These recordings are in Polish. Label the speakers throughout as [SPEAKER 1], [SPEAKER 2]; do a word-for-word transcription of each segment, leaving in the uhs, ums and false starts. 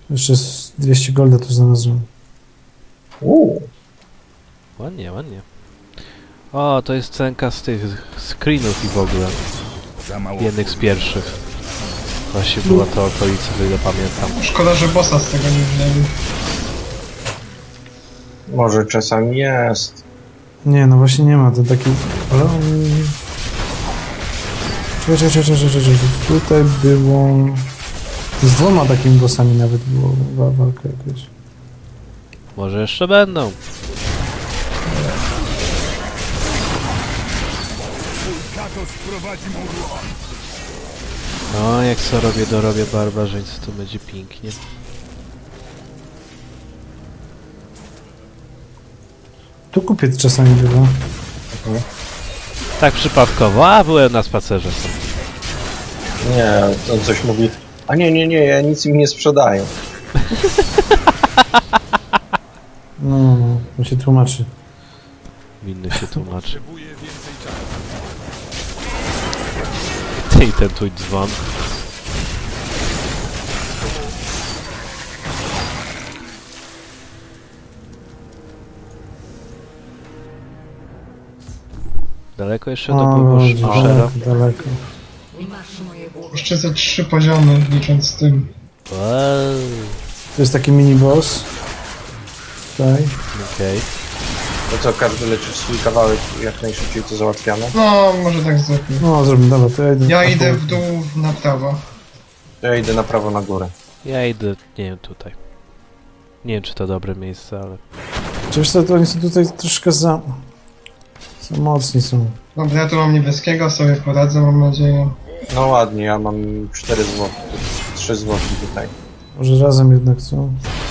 [SPEAKER 1] Jeszcze z dwieście golda tu znalazłem.
[SPEAKER 2] Uuu.
[SPEAKER 3] Ładnie, ładnie. O, to jest cenka z tych screenów i w ogóle. Jednych z pierwszych. Właśnie była to okolica, o ile pamiętam.
[SPEAKER 4] Szkoda, że bossa z tego nie wzięli.
[SPEAKER 2] Może czasami jest.
[SPEAKER 1] Nie, no właśnie nie ma, to taki... Ale on... Czekaj, czekaj, czekaj, czekaj, czekaj. Tutaj było... Z dwoma takimi bossami nawet było wa walka jakaś.
[SPEAKER 3] Może jeszcze będą. No, jak co robię, dorobię barbarzyńcy, to będzie pięknie.
[SPEAKER 1] Tu kupiec czasami bywa.
[SPEAKER 2] Mhm.
[SPEAKER 3] Tak przypadkowo, a byłem na spacerze.
[SPEAKER 2] Nie, on coś mówi. A nie, nie, nie, ja nic im nie sprzedaję.
[SPEAKER 1] No, no, no, on się tłumaczy.
[SPEAKER 3] Winny się tłumaczy. Ty i ten twój dzwon. Daleko jeszcze do
[SPEAKER 1] O,
[SPEAKER 3] Bushera?
[SPEAKER 1] daleko, daleko.
[SPEAKER 4] Jeszcze ze trzy poziomy, licząc z tym.
[SPEAKER 3] Wow.
[SPEAKER 1] To jest taki mini boss. Tutaj.
[SPEAKER 3] Okej. Okay.
[SPEAKER 2] To co, każdy leczy swój kawałek, jak najszybciej to załatwiamy?
[SPEAKER 4] No, może tak zrobię.
[SPEAKER 1] No, zrobimy, dobra, to ja idę.
[SPEAKER 4] Ja idę w dół na prawo.
[SPEAKER 2] To ja idę na prawo, na górę.
[SPEAKER 3] Ja idę, nie wiem, tutaj. Nie wiem, czy to dobre miejsce, ale...
[SPEAKER 1] Czy wiesz co, to oni są tutaj troszkę za... Za mocni są.
[SPEAKER 4] Dobra, ja tu mam niebieskiego, sobie poradzę, mam nadzieję.
[SPEAKER 2] No ładnie, ja mam cztery złote, trzy złote tutaj.
[SPEAKER 1] Może razem jednak, co?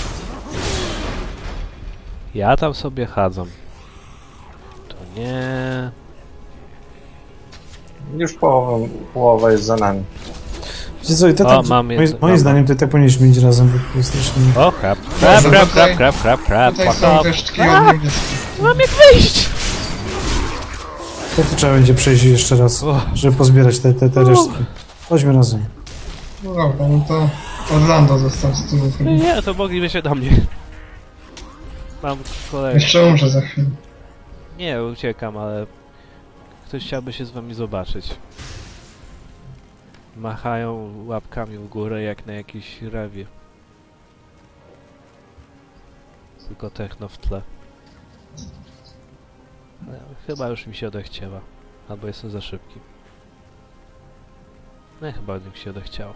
[SPEAKER 3] Ja tam sobie chadzam. To nie...
[SPEAKER 2] Już połowa, połowa jest za nami.
[SPEAKER 1] Wiecie co, i to
[SPEAKER 3] O,
[SPEAKER 1] tak,
[SPEAKER 3] mam
[SPEAKER 1] moim,
[SPEAKER 3] jedno-
[SPEAKER 1] moim
[SPEAKER 3] mam-
[SPEAKER 1] zdaniem to i tak powinniśmy iść razem, bo to jest strasznie...
[SPEAKER 3] O, krap, krap,
[SPEAKER 4] Może
[SPEAKER 3] krap,
[SPEAKER 4] tutaj-
[SPEAKER 3] krap, krap, krap, krap,
[SPEAKER 4] Tutaj są
[SPEAKER 3] krap.
[SPEAKER 4] resztki od niebieskich.
[SPEAKER 3] Mam jak wyjść!
[SPEAKER 1] To, to trzeba będzie przejść jeszcze raz,
[SPEAKER 3] O.
[SPEAKER 1] żeby pozbierać te, te, te resztki. Chodźmy razem.
[SPEAKER 4] No dobra, no to Orlando został z tyłu chyba.
[SPEAKER 3] Nie, to mogliby się do mnie. Mam kolegę.
[SPEAKER 4] Jeszcze umrze za chwilę.
[SPEAKER 3] Nie, uciekam, ale... Ktoś chciałby się z wami zobaczyć. Machają łapkami w górę jak na jakiejś rewie. Tylko techno w tle. Ale chyba już mi się odechciała. Albo jestem za szybki. Nie, chyba mi się odechciało.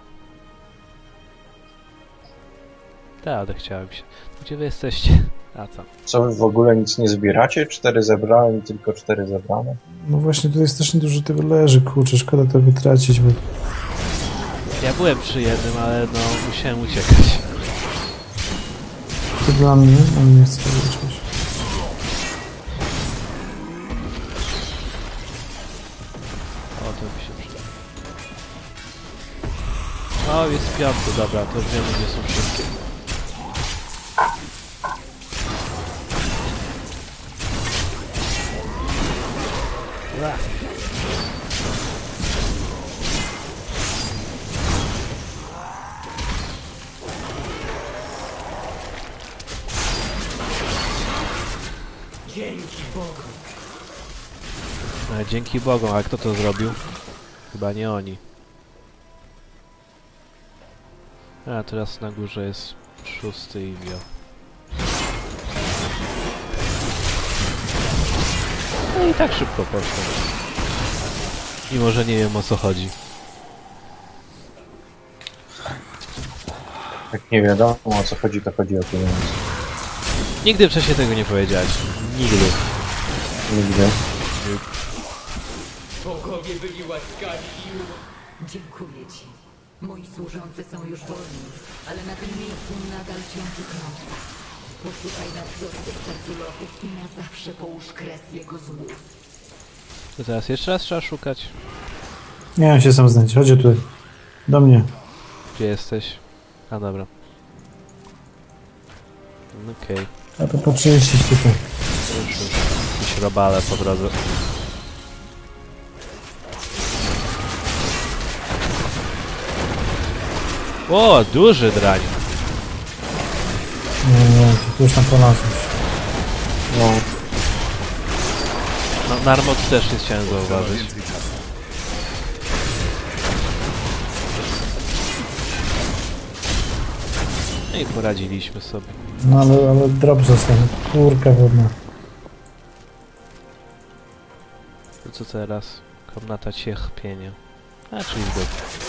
[SPEAKER 3] Tak, odechciałem się. Gdzie wy jesteście? A tam.
[SPEAKER 2] Co, wy w ogóle nic nie zbieracie? Cztery zebrałem, tylko cztery zebrane.
[SPEAKER 1] No właśnie, tutaj strasznie dużo tego leży, kurczę, szkoda to wytracić, bo...
[SPEAKER 3] Ja byłem przy jednym, ale no musiałem uciekać.
[SPEAKER 1] To dla mnie, on nie chce wyleczyć.
[SPEAKER 3] O, to mi się przyda. O, jest piąty, dobra, to już wiemy, gdzie są wszystkie. Ua.
[SPEAKER 5] Dzięki Bogu.
[SPEAKER 3] Ale dzięki Bogom, a kto to zrobił? Chyba nie oni. A teraz na górze jest szósty i wio. No i tak szybko poszło. Mimo, że nie wiem, o co chodzi.
[SPEAKER 2] Jak nie wiadomo o co chodzi, to chodzi o pieniądze.
[SPEAKER 3] Nigdy wcześniej tego nie powiedziałeś. Nigdy.
[SPEAKER 2] Nigdy.
[SPEAKER 5] Bogowie byli łaskawi i...
[SPEAKER 6] Dziękuję ci. Moi służący są już wolni, ale na tym miejscu nadal ciąży klątwa. Poszukaj nadzorców serculochów i na zawsze połóż kres jego złu.
[SPEAKER 3] To teraz jeszcze raz trzeba szukać.
[SPEAKER 1] Nie wiem się sam znać, chodź tutaj. Do mnie.
[SPEAKER 3] Gdzie jesteś? A dobra. Okej. Okay.
[SPEAKER 1] A to poczyścić tutaj.
[SPEAKER 3] Już, już. Jakieś robale po drodze. O, duży drań.
[SPEAKER 1] Nie, nie, ty już tam polazłeś.
[SPEAKER 2] No.
[SPEAKER 3] No, Narmot też nie chciałem zauważyć. No i poradziliśmy sobie.
[SPEAKER 1] No ale, ale drop został. Kurka wodna.
[SPEAKER 3] To co teraz? Komnata cierpienia. A, czyli zbyt.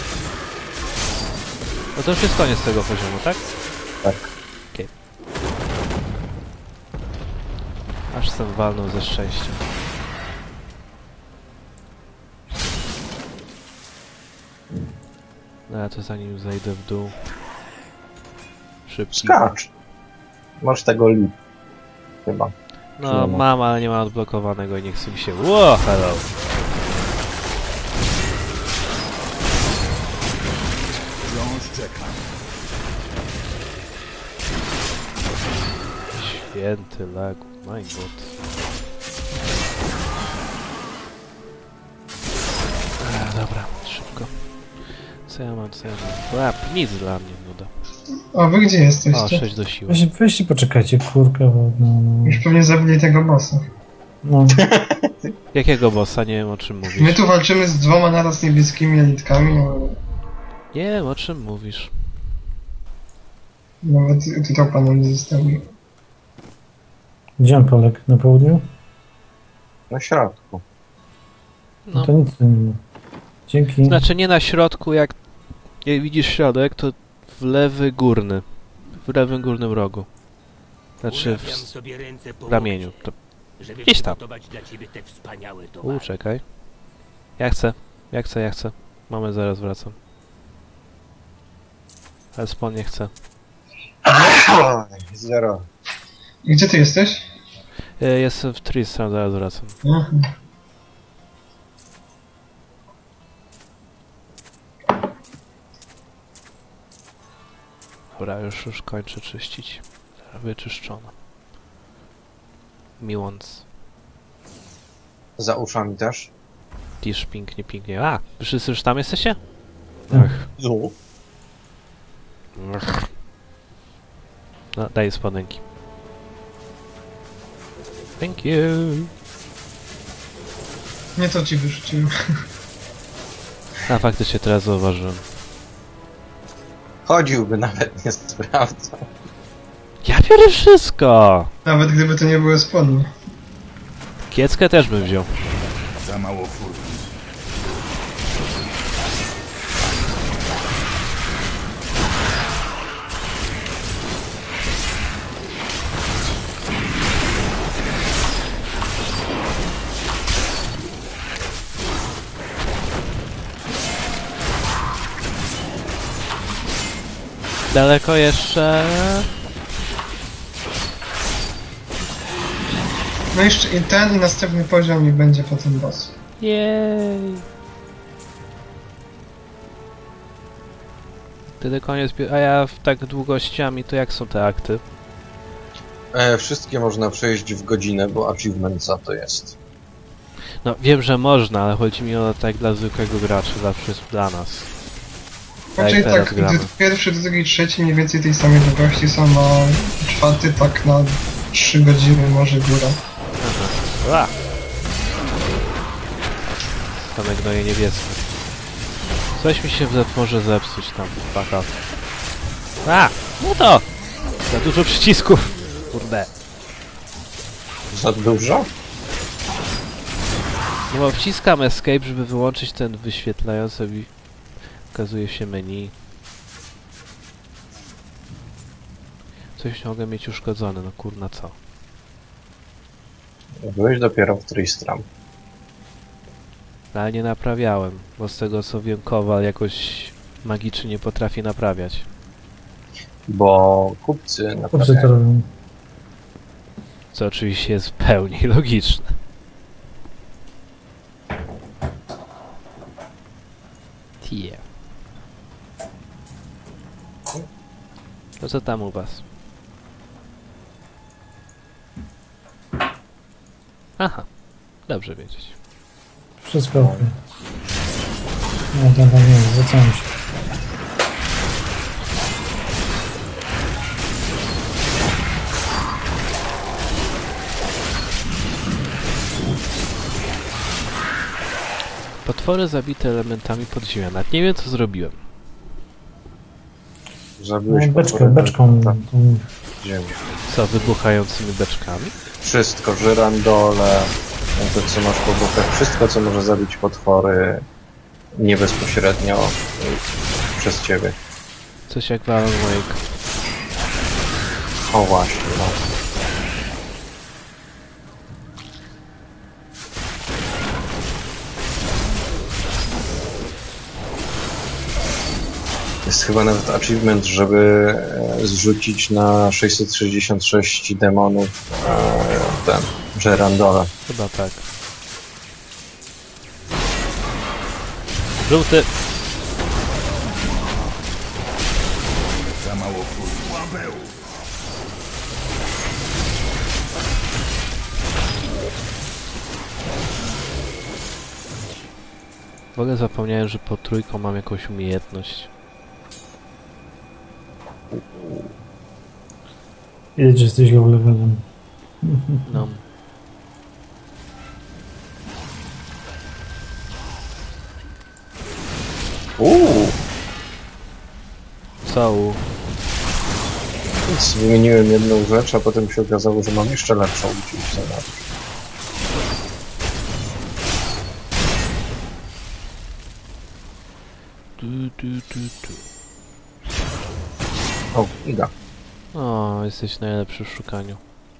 [SPEAKER 3] No to już jest koniec tego poziomu, tak?
[SPEAKER 2] Tak.
[SPEAKER 3] Okej. Aż sam walnął ze szczęścia. No ja to zanim zejdę w dół. Szybki.
[SPEAKER 2] Skacz. Masz tego lip. Chyba.
[SPEAKER 3] No mam, ale nie mam odblokowanego i nie chce mi się. Ło, hello! Święty lagu, my god. A, dobra, szybko. Co ja mam, co ja mam? Łap, nic dla mnie, nuda.
[SPEAKER 4] A wy gdzie
[SPEAKER 3] O,
[SPEAKER 4] jesteście?
[SPEAKER 3] sześć do siły.
[SPEAKER 1] Weź, weźcie poczekajcie, kurka wodna. No.
[SPEAKER 4] Już pewnie zabili tego bossa.
[SPEAKER 1] No.
[SPEAKER 3] Jakiego bossa? Nie wiem o czym
[SPEAKER 4] My
[SPEAKER 3] mówisz.
[SPEAKER 4] tu walczymy z dwoma naraz niebieskimi elitkami, ale
[SPEAKER 3] Nie wiem o czym mówisz.
[SPEAKER 4] nawet tytuł pana nie zostawił.
[SPEAKER 1] Gdzie on poległ? Na południu?
[SPEAKER 2] Na środku.
[SPEAKER 1] No.
[SPEAKER 3] No.
[SPEAKER 1] To nic tu nie ma. Dzięki.
[SPEAKER 3] Znaczy nie na środku, jak, jak widzisz środek, to w lewy górny. W lewym górnym rogu. Znaczy w, s-
[SPEAKER 7] sobie ręce
[SPEAKER 3] w ramieniu. To,
[SPEAKER 7] żeby
[SPEAKER 3] gdzieś tam.
[SPEAKER 7] przygotować dla ciebie te wspaniałe
[SPEAKER 3] u,
[SPEAKER 7] towary.
[SPEAKER 3] czekaj. Ja chcę, ja chcę, ja chcę. Mamy, zaraz wracam. Ale Spawn nie chce.
[SPEAKER 2] Zero.
[SPEAKER 4] Gdzie ty jesteś?
[SPEAKER 3] E, Jestem w Tristram, zaraz wracam.
[SPEAKER 4] Aha.
[SPEAKER 3] Dobra, już, już kończę czyścić. Wyczyszczono. Miłąc.
[SPEAKER 2] Za uszami też.
[SPEAKER 3] Tisz, pięknie, pięknie. A! Wszyscy już tam jesteście?
[SPEAKER 1] Tak.
[SPEAKER 3] Ach.
[SPEAKER 2] Zu.
[SPEAKER 3] Ach. No, daję spodenki. Thank you.
[SPEAKER 4] Nie to ci wyrzuciłem.
[SPEAKER 3] A faktycznie teraz zauważyłem.
[SPEAKER 2] Chodziłby, nawet nie sprawdzał.
[SPEAKER 3] Ja biorę wszystko!
[SPEAKER 4] Nawet gdyby to nie były spodnie.
[SPEAKER 3] Kieckę też bym wziął.
[SPEAKER 7] Za mało furki.
[SPEAKER 3] Daleko jeszcze?
[SPEAKER 4] No jeszcze i ten i następny poziom i będzie potem boss.
[SPEAKER 3] Jej! Wtedy koniec. pi- A ja w tak długościami, to jak są te akty?
[SPEAKER 2] E, wszystkie można przejść w godzinę, bo achievement za to jest.
[SPEAKER 3] No wiem, że można, ale chodzi mi o tak dla zwykłego gracza, zawsze jest dla nas.
[SPEAKER 4] Raczej
[SPEAKER 3] teraz
[SPEAKER 4] tak,
[SPEAKER 3] gramy.
[SPEAKER 4] gdy pierwszy, drugi, trzeci mniej więcej tej samej długości są, a czwarty tak na trzy godziny może góra.
[SPEAKER 3] A! Same gnoje niebieskie. Coś mi się zep- może zepsuć tam, fuck off. A! No to! Za dużo przycisków! Kurde.
[SPEAKER 2] Za dużo?
[SPEAKER 3] No bo wciskam escape, żeby wyłączyć ten wyświetlający i okazuje się menu. Coś mogę mieć uszkodzone, no kurna co?
[SPEAKER 2] Byłeś dopiero w Tristram.
[SPEAKER 3] No, ale nie naprawiałem, bo z tego co wiem, Kowal jakoś magicznie nie potrafi naprawiać.
[SPEAKER 2] Bo kupcy
[SPEAKER 1] Kupcy to
[SPEAKER 2] naprawdę...
[SPEAKER 1] robią.
[SPEAKER 3] Co oczywiście jest w pełni logiczne. Tie. To co tam u was? Aha, dobrze wiedzieć.
[SPEAKER 1] Wszystko ok. No tam, tam nie, zwracałem się.
[SPEAKER 3] Potwory zabite elementami podziemia. Nawet nie wiem, co zrobiłem.
[SPEAKER 2] Zabiłeś
[SPEAKER 1] No, beczkę,
[SPEAKER 2] potwory
[SPEAKER 1] beczką.
[SPEAKER 2] na
[SPEAKER 1] tą-
[SPEAKER 2] ziemi.
[SPEAKER 3] Co, wybuchającymi beczkami?
[SPEAKER 2] Wszystko, żyrandole, to co masz po bokach, wszystko co może zabić potwory nie bezpośrednio y, przez ciebie.
[SPEAKER 3] Coś jak w Alan Wake.
[SPEAKER 2] O właśnie, no. Jest chyba nawet achievement, żeby e, zrzucić na sześćset sześćdziesiąt sześć demonów e, ten, żerandola.
[SPEAKER 3] Chyba tak. Żółty!
[SPEAKER 7] Za mało furtki. Łabeł!
[SPEAKER 3] W ogóle zapomniałem, że pod trójką mam jakąś umiejętność.
[SPEAKER 1] Ile jesteś go levelem?
[SPEAKER 3] No.
[SPEAKER 2] Uuu,
[SPEAKER 3] Co? u-
[SPEAKER 2] więc wymieniłem jedną rzecz, a potem się okazało, że mam jeszcze lepszą uciąć za lat.
[SPEAKER 3] Tu, tu, tu, tu.
[SPEAKER 2] O, Iga.
[SPEAKER 3] O, jesteś najlepszy w szukaniu.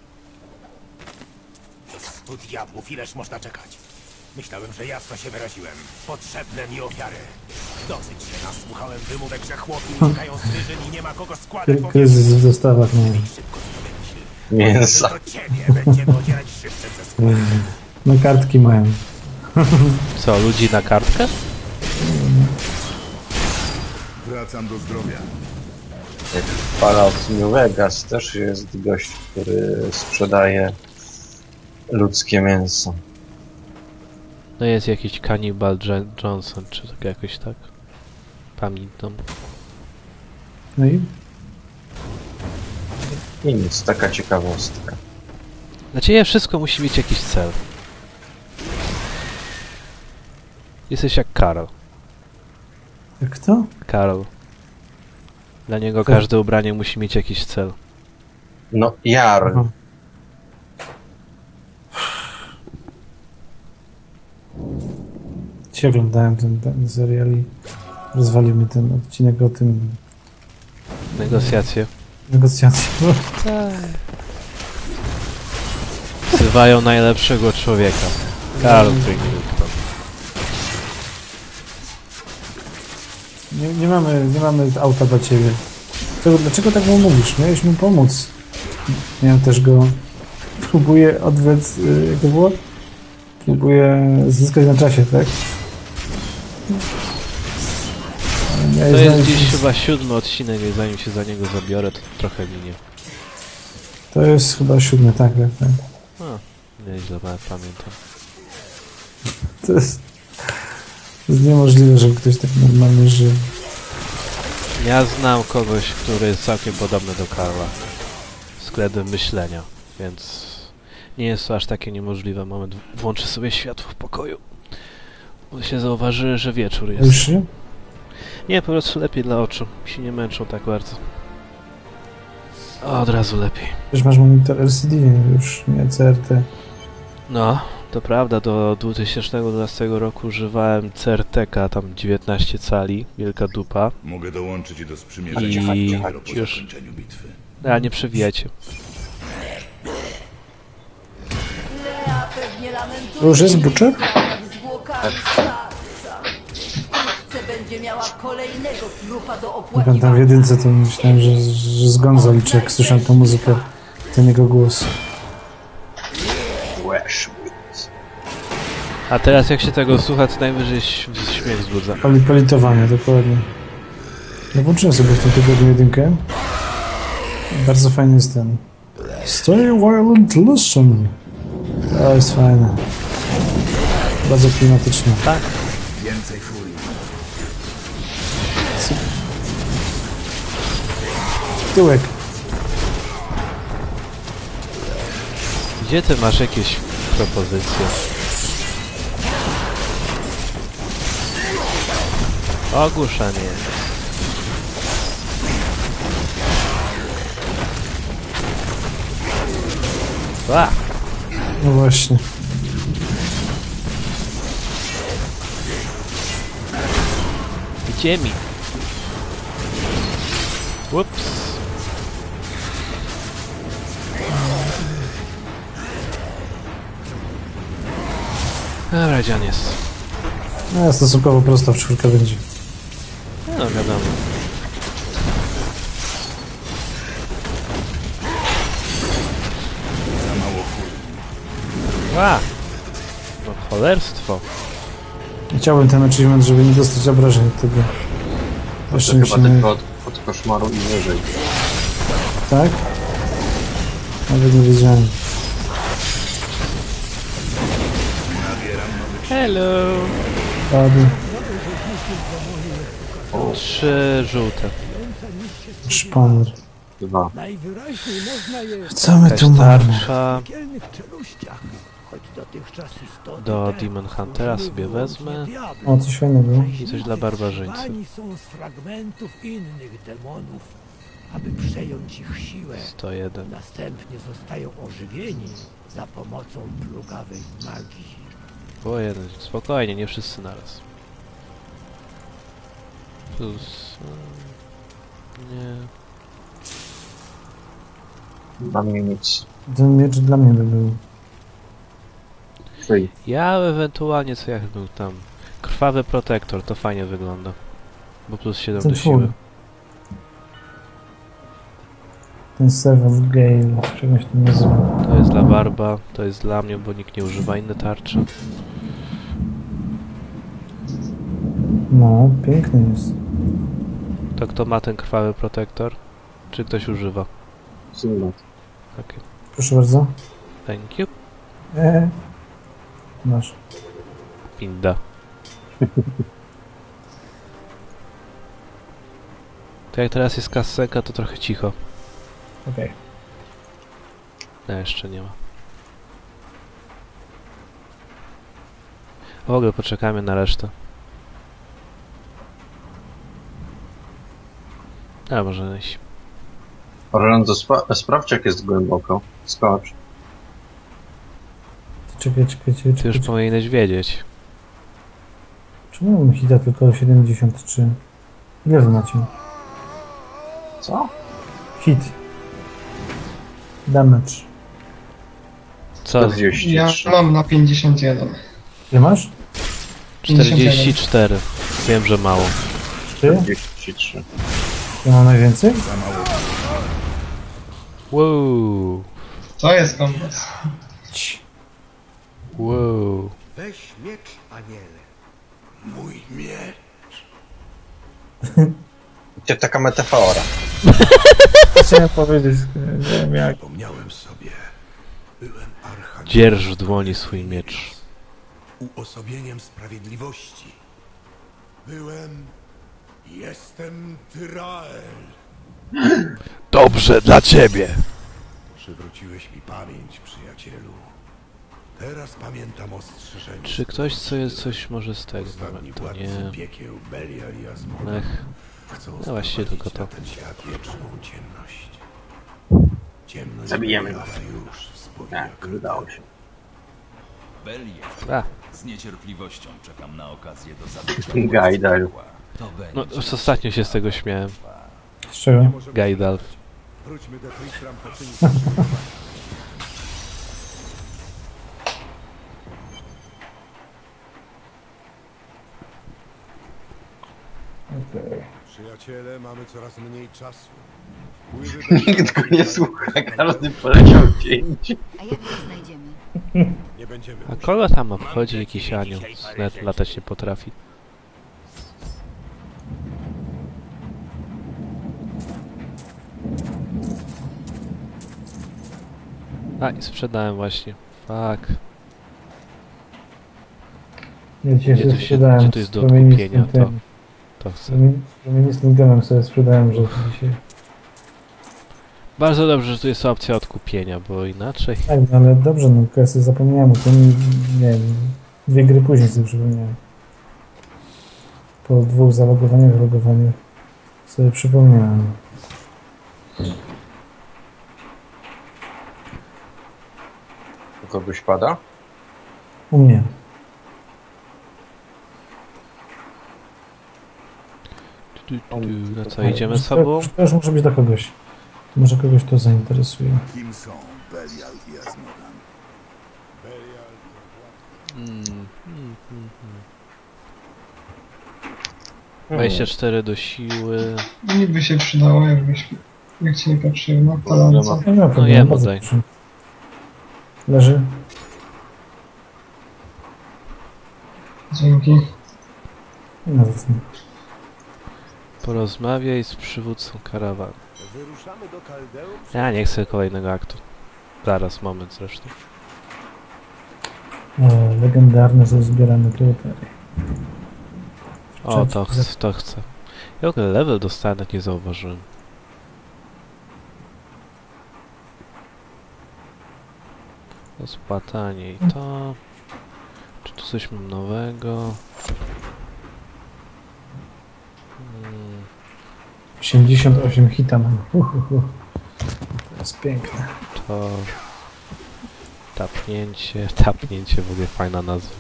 [SPEAKER 7] Tu diabłów, ileż można czekać? Myślałem, że jasno się wyraziłem. Potrzebne mi ofiary. Dosyć się nasłuchałem wymówek, że chłopi uciekają z wyżyn i nie ma kogo składać.
[SPEAKER 1] Kry- Kryzys w dostawach, no.
[SPEAKER 7] Szybko sobie myśl.
[SPEAKER 2] Mięsa.
[SPEAKER 7] Do ciebie będziemy ocierać żywcem ze skóry.
[SPEAKER 1] No kartki mają.
[SPEAKER 3] Co, ludzi na kartkę?
[SPEAKER 7] Wracam do zdrowia.
[SPEAKER 2] Jak w Fallout New Vegas też jest gość, który sprzedaje ludzkie mięso.
[SPEAKER 3] No jest jakiś Cannibal Je- Johnson, czy tak jakoś tak. Pamiętam.
[SPEAKER 1] No i
[SPEAKER 2] I nic, taka ciekawostka.
[SPEAKER 3] Dla ciebie wszystko musi mieć jakiś cel. Jesteś jak Karol.
[SPEAKER 1] jak kto?
[SPEAKER 3] Karol. Dla niego
[SPEAKER 1] Tak.
[SPEAKER 3] każde ubranie musi mieć jakiś cel.
[SPEAKER 2] No, Jar.
[SPEAKER 1] Aha. Dzisiaj oglądałem ten, ten serial i rozwalił mi ten odcinek o tym
[SPEAKER 3] Negocjacje.
[SPEAKER 1] negocjacji.
[SPEAKER 3] Wzywają najlepszego człowieka. Karol Tringleton.
[SPEAKER 1] Nie, nie mamy, nie mamy auta dla ciebie. Dlaczego, dlaczego tak mu mówisz? Miałeś mu pomóc. Miałem też go... Próbuję odwet... y, Jak to było? Próbuję zyskać na czasie, tak? Ale miałeś
[SPEAKER 3] To jest
[SPEAKER 1] znaleźć-
[SPEAKER 3] dziś chyba siódmy odcinek i zanim się za niego zabiorę, to trochę minie.
[SPEAKER 1] To jest chyba siódmy, tak, tak, tak.
[SPEAKER 3] A, nieźle nawet pamiętam.
[SPEAKER 1] To jest... To jest niemożliwe, żeby ktoś tak normalnie żył.
[SPEAKER 3] Ja znam kogoś, który jest całkiem podobny do Karla. Względem myślenia, więc nie jest to aż takie niemożliwe. Moment, włączę sobie światło w pokoju. Bo się zauważy, że wieczór jest.
[SPEAKER 1] Już się?
[SPEAKER 3] Nie, po prostu lepiej dla oczu. Się nie męczą tak bardzo. O, od razu lepiej.
[SPEAKER 1] Już masz monitor L C D, już nie C R T.
[SPEAKER 3] No, to prawda, do dwa tysiące dwunastego roku używałem C R T K, tam dziewiętnaście cali, wielka dupa.
[SPEAKER 7] Mogę dołączyć do sprzymierzenia
[SPEAKER 3] I
[SPEAKER 7] dopiero po
[SPEAKER 3] już-
[SPEAKER 7] zakończeniu bitwy.
[SPEAKER 3] A, nie przewijajcie.
[SPEAKER 6] Lea pewnie lamentuje.
[SPEAKER 1] To już jest Butcher?
[SPEAKER 6] nad zwłokami starca. Wkrótce będzie miała kolejnego trupa do
[SPEAKER 1] Jak on tam w
[SPEAKER 6] opłakiwania.
[SPEAKER 1] jedynce, to myślałem, że, że z Gonzo liczę, jak słyszę tą muzykę, ten jego głos.
[SPEAKER 2] Washwood.
[SPEAKER 3] A teraz jak się tego słucha, to najwyżej ś- śmiech wzbudza.
[SPEAKER 1] Poli, politowanie, dokładnie. Ja włączyłem sobie w tym tygodniu jedynkę. Bardzo fajny jest ten. Stay violent, listen. To jest fajne. Bardzo klimatyczne.
[SPEAKER 3] Tak.
[SPEAKER 7] Więcej furii.
[SPEAKER 1] Tyłek.
[SPEAKER 3] Gdzie ty masz jakieś propozycje? Ogłuszenie. A!
[SPEAKER 1] No właśnie.
[SPEAKER 3] Gdzie mi? Ups. Dobra, gdzie on jest?
[SPEAKER 1] No, stosunkowo prosto w czwórkę będzie.
[SPEAKER 3] No wiadomo. Ła! No cholerstwo.
[SPEAKER 1] Chciałbym ten achievement, żeby nie dostać obrażeń od tego.
[SPEAKER 2] To
[SPEAKER 1] Jeszcze
[SPEAKER 2] chyba
[SPEAKER 1] musimy...
[SPEAKER 2] tylko od, od koszmaru i wyżej.
[SPEAKER 1] Tak? Nawet nie wiedziałem.
[SPEAKER 3] Hello!
[SPEAKER 1] Padł.
[SPEAKER 3] Trzy żółte.
[SPEAKER 1] Szpaner.
[SPEAKER 2] Dwa.
[SPEAKER 8] Najwyraźniej można je
[SPEAKER 1] Co my
[SPEAKER 3] Jakaś
[SPEAKER 1] tu mamy?
[SPEAKER 3] tarcza.
[SPEAKER 8] w piekielnych czeluściach, choć dotychczas istoty
[SPEAKER 3] Do
[SPEAKER 8] te
[SPEAKER 3] Demon Huntera
[SPEAKER 8] tworzyły
[SPEAKER 3] sobie
[SPEAKER 8] wyłącznie
[SPEAKER 3] wezmę.
[SPEAKER 8] diabli.
[SPEAKER 1] O, coś fajnego.
[SPEAKER 3] I coś dla barbarzyńcy.
[SPEAKER 8] Zbudowani są z fragmentów innych demonów, aby przejąć ich siłę.
[SPEAKER 3] sto jeden.
[SPEAKER 8] Następnie zostają ożywieni za pomocą plugawej magii.
[SPEAKER 3] Było jeden. Spokojnie, nie wszyscy naraz. Plus... mm, Nie...
[SPEAKER 2] Dla mnie nic.
[SPEAKER 1] Ten miecz dla mnie by był.
[SPEAKER 2] Free.
[SPEAKER 3] Ja ewentualnie co jak był tam. Krwawy protektor, to fajnie wygląda. Bo plus siedem
[SPEAKER 1] Ten
[SPEAKER 3] do siły.
[SPEAKER 1] twój. Ten Serve of Gale, czegoś to nazywa.
[SPEAKER 3] To jest dla barba, to jest dla mnie, bo nikt nie używa inne tarcze.
[SPEAKER 1] No, piękny jest.
[SPEAKER 3] To kto ma ten krwawy protektor? Czy ktoś używa?
[SPEAKER 2] Symulot.
[SPEAKER 3] Okej.
[SPEAKER 1] Proszę bardzo.
[SPEAKER 3] Thank you.
[SPEAKER 1] Eee. Masz.
[SPEAKER 3] Pinda. To jak teraz jest kasenka, to trochę cicho.
[SPEAKER 1] Okej.
[SPEAKER 3] No jeszcze nie ma. W ogóle poczekamy na resztę. A może iść.
[SPEAKER 2] Orlando, spa sprawdź jak jest głęboko. Skocz.
[SPEAKER 1] Czekaj, czekaj, czekaj.
[SPEAKER 3] Ty już
[SPEAKER 1] czekaj.
[SPEAKER 3] powinieneś wiedzieć.
[SPEAKER 1] Czemu mam hita tylko siedemdziesiąt trzy? Ile wy macie?
[SPEAKER 2] Co?
[SPEAKER 1] Hit. Damage.
[SPEAKER 3] Co?
[SPEAKER 2] czterdzieści
[SPEAKER 4] Ja
[SPEAKER 2] trzy.
[SPEAKER 4] mam na pięćdziesiąt jeden.
[SPEAKER 1] Ile masz?
[SPEAKER 3] czterdzieści cztery. Wiem, że mało.
[SPEAKER 1] Ty?
[SPEAKER 2] czterdzieści trzy.
[SPEAKER 1] Ja mam najwięcej?
[SPEAKER 3] Wow.
[SPEAKER 4] To jest kombos.
[SPEAKER 1] Ci.
[SPEAKER 3] Wow.
[SPEAKER 7] Weź miecz, aniele. Mój miecz.
[SPEAKER 2] Gdzie taka metafora?
[SPEAKER 1] Chciałem powiedzieć, nie wiem jak.
[SPEAKER 7] Pomniałem sobie. Byłem archaniołem.
[SPEAKER 3] Dzierż w dłoni swój miecz.
[SPEAKER 7] Uosobieniem sprawiedliwości. Byłem... Jestem Tyrael.
[SPEAKER 3] Dobrze dla ciebie.
[SPEAKER 7] Przywróciłeś mi pamięć, przyjacielu. Teraz pamiętam ostrzeżenie.
[SPEAKER 3] Czy ktoś co jest coś może z tego?
[SPEAKER 7] Ostatni
[SPEAKER 3] Dobra, to
[SPEAKER 7] władcy
[SPEAKER 3] nie.
[SPEAKER 7] piekieł, Belial i Asmona
[SPEAKER 3] Ech.
[SPEAKER 7] chcą
[SPEAKER 3] No właściwie
[SPEAKER 7] sprowadzić
[SPEAKER 3] tylko
[SPEAKER 7] na
[SPEAKER 3] to.
[SPEAKER 7] ten świat wieczną ciemność. Ciemność
[SPEAKER 2] Zabijemy go.
[SPEAKER 7] Beliala już spowiednia
[SPEAKER 2] Tak,
[SPEAKER 7] krwi.
[SPEAKER 2] udało się.
[SPEAKER 9] Belie,
[SPEAKER 3] A,
[SPEAKER 9] z niecierpliwością czekam na okazję do zabicia.
[SPEAKER 2] Gajdal.
[SPEAKER 9] To
[SPEAKER 3] no
[SPEAKER 9] będzie
[SPEAKER 3] już ostatnio się z tego śmiałem.
[SPEAKER 1] Z czego?
[SPEAKER 3] Gajdal.
[SPEAKER 7] Wróćmy do Tristram po czynić.
[SPEAKER 1] Okej.
[SPEAKER 7] Przyjaciele, mamy coraz mniej czasu.
[SPEAKER 2] Nikt go nie słucha, każdy poleciał pięć.
[SPEAKER 6] A jak go znajdziemy?
[SPEAKER 7] Nie będziemy
[SPEAKER 3] A kogo tam obchodzi jakiś anioł? Net latać nie potrafi. A, i sprzedałem właśnie. Fuck.
[SPEAKER 1] Ja dzisiaj
[SPEAKER 3] Gdzie
[SPEAKER 1] sobie
[SPEAKER 3] tu się-
[SPEAKER 1] sprzedałem
[SPEAKER 3] gdzie tu jest
[SPEAKER 1] z
[SPEAKER 3] do
[SPEAKER 1] promienistym
[SPEAKER 3] odkupienia?
[SPEAKER 1] tym.
[SPEAKER 3] To chcę.
[SPEAKER 1] Promieni- Promienistym gemem sobie sprzedałem, że dzisiaj...
[SPEAKER 3] Bardzo dobrze, że tu jest opcja odkupienia, bo inaczej...
[SPEAKER 1] Tak, no ale dobrze, no ja sobie zapomniałem o tym i nie wiem, dwie gry później sobie przypomniałem. Po dwóch zalogowaniach, logowaniach sobie przypomniałem.
[SPEAKER 2] U kogoś pada?
[SPEAKER 1] U mnie.
[SPEAKER 3] Tu, tu, tu. Na co, idziemy z sobą?
[SPEAKER 1] To już może być dla kogoś. Może kogoś to zainteresuje.
[SPEAKER 9] Kim są Belial i Azmodan?
[SPEAKER 3] Mm, mm, mm, mm. dwadzieścia cztery do siły.
[SPEAKER 4] Niby się przydało, jakbyś, jak ci nie patrzył na talance.
[SPEAKER 1] Nie ma problemu,
[SPEAKER 3] jemu
[SPEAKER 1] bardzo
[SPEAKER 3] daj.
[SPEAKER 1] proszę. Leży.
[SPEAKER 4] Dzięki.
[SPEAKER 1] Nie ma za co.
[SPEAKER 3] Porozmawiaj z przywódcą karawany. Ja nie chcę kolejnego aktu. Zaraz, moment zresztą.
[SPEAKER 1] E, legendarne ze zbierane kryteria.
[SPEAKER 3] O, to, ch to chcę. Ja w ogóle level dostałem, jak nie zauważyłem. To spłatanie i to... Czy tu coś mam nowego? Hmm.
[SPEAKER 1] osiemdziesiąt osiem hita mam. Uhuhu. To jest piękne.
[SPEAKER 3] To... Tapnięcie, tapnięcie, w ogóle fajna nazwa.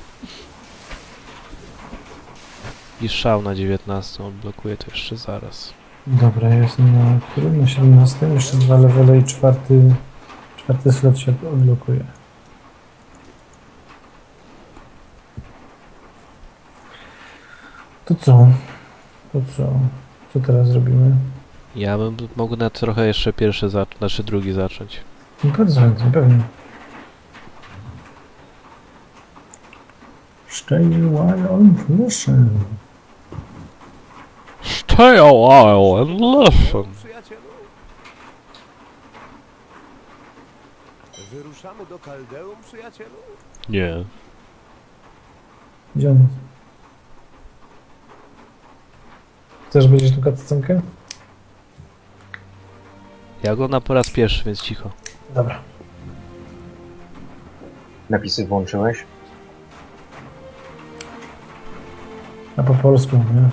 [SPEAKER 3] I szał na dziewiętnastą odblokuję to jeszcze zaraz.
[SPEAKER 1] Dobra, ja jestem na którym? Na siedemnastym. Jeszcze dwa levele i czwarty... Czwarty slot się odblokuje. To co? To co? Co teraz robimy?
[SPEAKER 3] Ja bym mógł na trochę jeszcze pierwszy zacząć, znaczy drugi zacząć.
[SPEAKER 1] No bardzo chętnie, pewnie. Stay a while and listen.
[SPEAKER 3] Stay a while and listen.
[SPEAKER 7] Wyruszamy do Kaldeum, przyjacielu?
[SPEAKER 3] Nie.
[SPEAKER 1] Gdzie on jest? Chcesz będziesz tu cutscenkę?
[SPEAKER 3] Ja go na po raz pierwszy, więc cicho.
[SPEAKER 1] Dobra.
[SPEAKER 2] Napisy włączyłeś?
[SPEAKER 1] A po polsku, nie?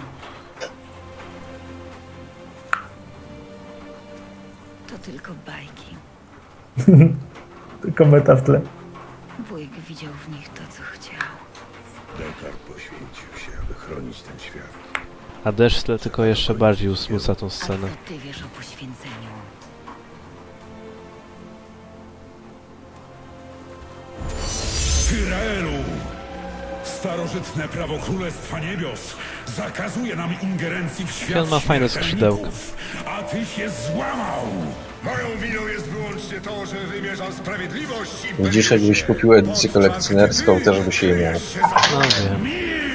[SPEAKER 6] To tylko bajki.
[SPEAKER 1] Tylko meta w tle.
[SPEAKER 6] Wujek widział w nich to, co chciał.
[SPEAKER 7] Dekar poświęcił się, aby chronić ten świat.
[SPEAKER 3] A deszcz w tle tylko jeszcze bardziej usmuca tą
[SPEAKER 6] A
[SPEAKER 3] scenę.
[SPEAKER 6] co ty wiesz o poświęceniu?
[SPEAKER 10] Tyraelu! Starożytne prawo Królestwa Niebios zakazuje nam ingerencji w świat
[SPEAKER 3] On ma fajne
[SPEAKER 10] śmiertelników, a ty się złamał!
[SPEAKER 7] Moją winą jest wyłącznie to, że wymierzam sprawiedliwość i...
[SPEAKER 2] Widzisz, jakbyś kupił edycję kolekcjonerską, też byś jej miał.
[SPEAKER 3] No wiem.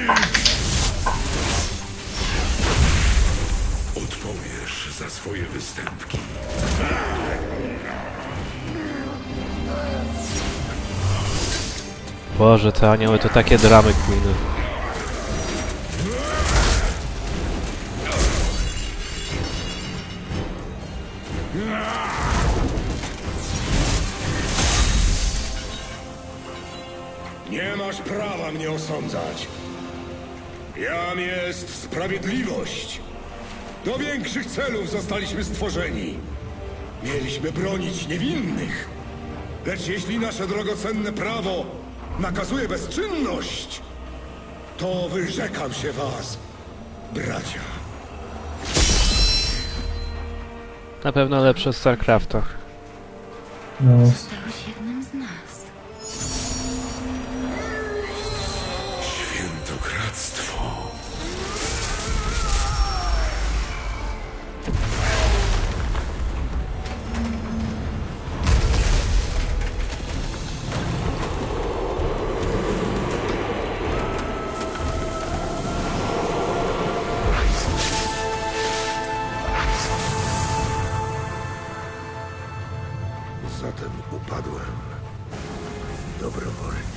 [SPEAKER 10] Odpowiesz za swoje występki.
[SPEAKER 3] Boże, te anioły to takie dramy queeny.
[SPEAKER 7] Nie masz prawa mnie osądzać. Jam jest sprawiedliwość. Do większych celów zostaliśmy stworzeni. Mieliśmy bronić niewinnych. Lecz jeśli nasze drogocenne prawo nakazuje bezczynność, to wyrzekam się was, bracia.
[SPEAKER 3] Na pewno lepsze od StarCrafta.
[SPEAKER 1] No,
[SPEAKER 6] Zostałeś jednym z nas.
[SPEAKER 10] Świętokradztwo.
[SPEAKER 7] Zatem upadłem dobrowolnie.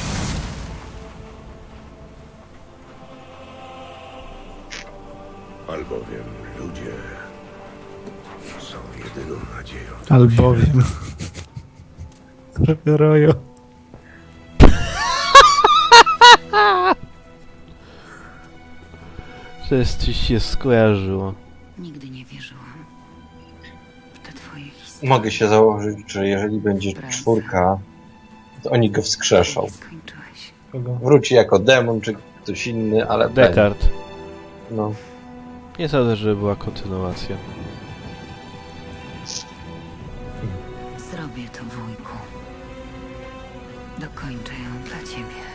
[SPEAKER 7] Albowiem ludzie są jedyną nadzieją.
[SPEAKER 1] albowiem. Trochę rojo.
[SPEAKER 3] Coś ci się skojarzyło.
[SPEAKER 6] Nigdy nie wierzyłam w te twoje historie.
[SPEAKER 2] Mogę się założyć, że jeżeli będzie czwórka, to oni go wskrzeszą.
[SPEAKER 6] Skończyłeś.
[SPEAKER 1] Kogo?
[SPEAKER 2] Wróci jako demon, czy ktoś inny, ale będzie.
[SPEAKER 3] Descartes.
[SPEAKER 2] No.
[SPEAKER 3] Nie sądzę, żeby była kontynuacja.
[SPEAKER 6] Zrobię to, wujku. Dokończę ją dla ciebie.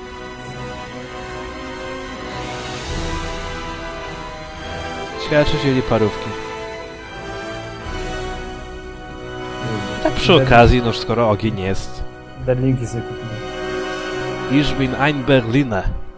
[SPEAKER 3] Ciekawe, czy wzięli parówki. Tak przy okazji, no skoro ogień jest.
[SPEAKER 1] Berlinki sobie kupiłem.
[SPEAKER 3] Ich bin ein Berliner.